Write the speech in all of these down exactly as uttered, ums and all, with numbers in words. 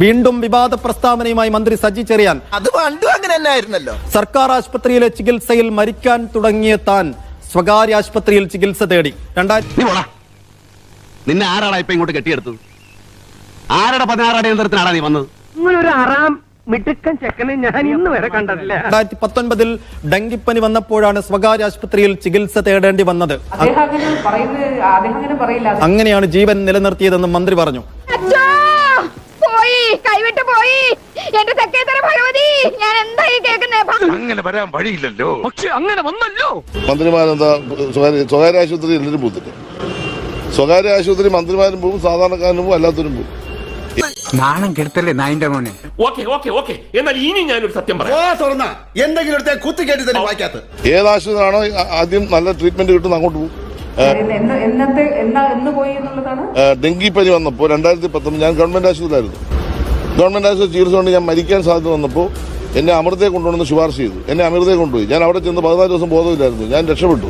വീണ്ടും വിവാദ പ്രസ്താവനയുമായി മന്ത്രി സജി ചെറിയാൻ. അത് പണ്ടും അങ്ങനെ തന്നെയായിരുന്നല്ലോ. സർക്കാർ ആശുപത്രിയിലെ ചികിത്സയിൽ മരിക്കാൻ തുടങ്ങിയ താൻ സ്വകാര്യ ആശുപത്രിയിൽ ചികിത്സ തേടി. രണ്ടായിരത്തി നിന്നെ ആരാടാ ഇപ്പൊ ഇങ്ങോട്ട് കെട്ടിയെടുത്തത്? ആരുടെ പതിനാറാം യന്ത്രത്തിനാടാ നീ വന്നത്? ഇങ്ങനൊരു ആറാം മിടുക്കൻ ചെക്കനെ ഞാൻ ഇന്ന് വരെ കണ്ടിട്ടില്ല. രണ്ടായിരത്തി പത്തൊൻപതിൽ ഡെങ്കിപ്പനി വന്നപ്പോഴാണ് സ്വകാര്യ ആശുപത്രിയിൽ ചികിത്സ തേടേണ്ടി വന്നത്. അങ്ങനെയാണ് ജീവൻ നിലനിർത്തിയതെന്ന് മന്ത്രി പറഞ്ഞു. കൈവിട്ട് പോയി എന്റെ തെക്കേത്തര ഭഗവതി, ഞാൻ എന്തായി കേൾക്കുന്നത്? അങ്ങനെ വരാൻ വഴിയില്ലല്ലോ. പക്ഷെ അങ്ങനെ വന്നല്ലോ. മന്ത്രിമാരെന്താ സ്വകാര്യ ആശുപത്രി എല്ലാവരും പോകുന്നില്ല. സ്വകാര്യ ആശുപത്രി മന്ത്രിമാരും പോകും, സാധാരണക്കാരനും പോകും, അല്ലാത്തവരും പോകും. നാണം കെടുത്തല്ലേ നായിന്റെ മോനെ. ഓക്കെ ഓക്കെ ഓക്കെ എന്നാൽ ഇനി ഞാനൊരു സത്യം പറയാം. എന്തെങ്കിലും കുത്തി കേട്ടി തന്നെ വായിക്കാത്ത ഏത് ആശുപത്രിയാണോ ആദ്യം നല്ല ട്രീറ്റ്മെന്റ് കിട്ടുന്ന അങ്ങോട്ട് പോകും. ഡെങ്കിപ്പനി വന്നപ്പോൾ രണ്ടായിരത്തി പത്തൊമ്പത് ഞാൻ ഗവൺമെന്റ് ആശുപത്രിയിലായിരുന്നു. ഗവൺമെന്റ് ആശുപത്രി ചികിത്സ കൊണ്ട് ഞാൻ മരിക്കാൻ സാധ്യത വന്നപ്പോൾ എന്നെ അമൃതയെ കൊണ്ടുവന്ന് ശുപാർശ ചെയ്തു. എന്നെ അമൃതയെ കൊണ്ടുപോയി. ഞാൻ അവിടെ ചെന്ന് പതിനാല് ദിവസം ബോധമില്ലായിരുന്നു. ഞാൻ രക്ഷപ്പെട്ടു.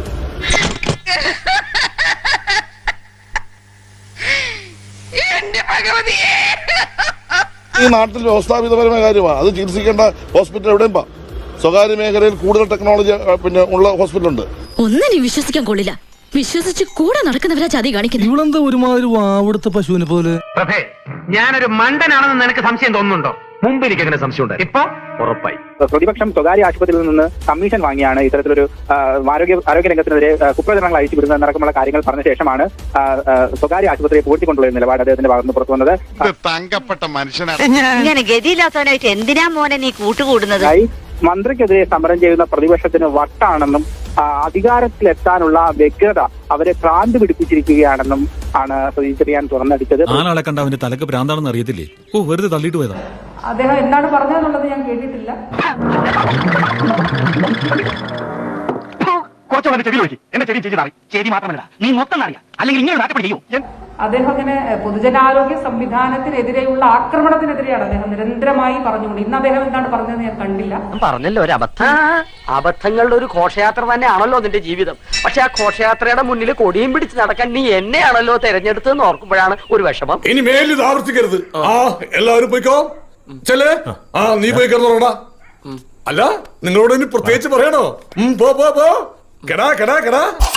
ഈ നാട്ടിൽ വ്യവസ്ഥാപിതപരമായ കാര്യമാണ്. അത് ചികിത്സിക്കേണ്ട ഹോസ്പിറ്റൽ എവിടെയും പാ. സ്വകാര്യ മേഖലയിൽ കൂടുതൽ ടെക്നോളജി പിന്നെ ഉള്ള ഹോസ്പിറ്റലുണ്ട്. ഒന്നിനും വിശ്വസിക്കാൻ കൊള്ളില്ല. വിശ്വസിച്ച് കൂടെ നടക്കുന്നവരാ ചതി കാണിക്കുന്നത്. ഇവളെന്താ ഒരുമാതിരി വാവെടുത്ത പശുവിനെ പോലെ. പ്രഭേ, ഞാനൊരു മണ്ടനാണെന്ന് നിനക്ക് സംശയം തോന്നുന്നുണ്ടോ? മുമ്പ് എനിക്ക് അങ്ങനെ സംശയമുണ്ട്, ഇപ്പൊ ഉറപ്പായി. പ്രതിപക്ഷം സ്വകാര്യ ആശുപത്രിയിൽ നിന്ന് കമ്മീഷൻ വാങ്ങിയാണ് ഇത്തരത്തിലൊരു ആരോഗ്യ ആരോഗ്യ രംഗത്തിനെതിരെ കുപ്രചരണങ്ങൾ അയച്ചു വിടുന്നതടക്കമുള്ള കാര്യങ്ങൾ പറഞ്ഞ ശേഷമാണ് സ്വകാര്യ ആശുപത്രിയെ പൂഴ്ത്തിക്കൊണ്ടുള്ള നിലപാട് അദ്ദേഹത്തിന്റെ ഭാഗത്ത് പുറത്തു വന്നത്. തങ്കപ്പെട്ട മനുഷ്യനാണ്. ഇങ്ങനെ ഗതിയില്ലാത്തവനായിട്ട് എന്തിനാ മോനെ നീ കൂട്ടുകൂടുന്നത്? മന്ത്രിക്കെതിരെ സമരം ചെയ്യുന്ന പ്രതിപക്ഷത്തിന് വട്ടാണെന്നും അധികാരത്തിലെത്താനുള്ള വ്യഗ്രത അവരെ ഭ്രാന്ത് പിടിപ്പിച്ചിരിക്കുകയാണെന്നും ആണ് സജി ചെറിയാൻ തുറന്നടിച്ചത്. ആളെ കണ്ട അവന്റെ തലക്ക് ഭ്രാന്താണെന്ന് അറിയത്തില്ലേ? ഓ, വെറുതെ തള്ളിയിട്ട് പോയതാ. അദ്ദേഹം എന്താണ് പറഞ്ഞതെന്നുള്ളത് ഞാൻ കേട്ടിട്ടില്ല. അദ്ദേഹം അങ്ങനെ പൊതുജനാരോഗ്യ സംവിധാനത്തിനെതിരെയുള്ള ആക്രമണത്തിനെതിരെയാണ് അദ്ദേഹം നിരന്തരമായി പറഞ്ഞുകൊണ്ട്. ഇന്ന് അദ്ദേഹം എന്താണ് പറഞ്ഞതെന്ന് ഞാൻ കണ്ടില്ല. പറഞ്ഞല്ലോ ഒരു അബദ്ധം. അബദ്ധങ്ങളുടെ ഒരു ഘോഷയാത്ര തന്നെയാണല്ലോ നിന്റെ ജീവിതം. പക്ഷെ ആ ഘോഷയാത്രയുടെ മുന്നിൽ കൊടിയും പിടിച്ച് നടക്കാൻ നീ എന്നെയാണല്ലോ തെരഞ്ഞെടുത്തെന്ന് ഓർക്കുമ്പോഴാണ് ഒരു വിഷമം. ഇനി മേലിൽ ഇത് ആവർത്തിക്കരുത്. ആ എല്ലാവരും പോയിക്കോ. ചെല്ലേ. ആ നീ പോയി കിടന്നോടാ. അല്ല നിങ്ങളോട് ഇനി പ്രത്യേകിച്ച് പറയണോ? പോ പോ പോ. കെടാ കെടാ കെടാ.